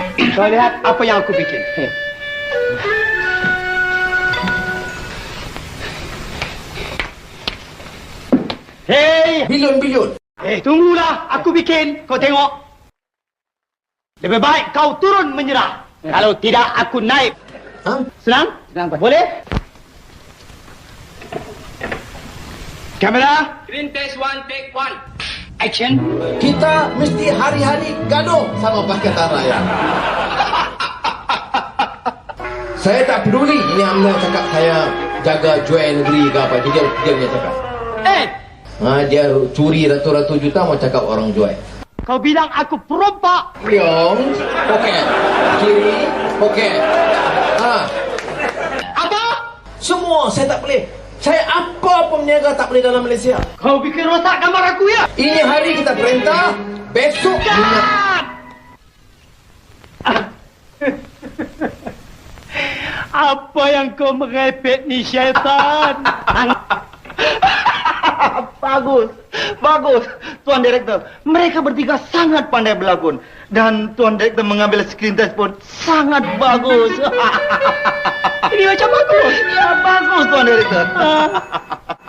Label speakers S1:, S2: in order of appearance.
S1: Kau lihat apa yang aku bikin. Hei!
S2: Bilun-bilun.
S1: Tunggulah, aku bikin. Kau tengok. Lebih baik kau turun menyerah. Kalau tidak, aku naik.
S2: Ha?
S1: Senang?
S3: Senang, Pak.
S1: Boleh? Kamera.
S4: Screen test 1, take 1.
S1: Action.
S2: Kita mesti hari-hari gaduh sama Pakatan Rakyat. Saya tak peduli ini Amna cakap saya jaga jual negeri ke apa. Dia punya cakap. Dia curi ratus-ratus juta mau cakap orang jual.
S1: Kau bilang aku perompak.
S2: Leong, poket. Kiri, poket.
S1: Apa?
S2: Semua saya tak boleh. Saya apa pun berniaga tak boleh dalam Malaysia.
S1: Kau bikin rosak gambar aku ya?
S2: Ini hari kita perintah, besok dunia.
S1: Apa yang kau merepek ni, syaitan? Bagus, bagus, Tuan Direktor. Mereka bertiga sangat pandai berlakon. Dan Tuan Direktor mengambil screen test pun sangat bagus. Ini macam bagus. Ya, bagus, Tuan Direktor.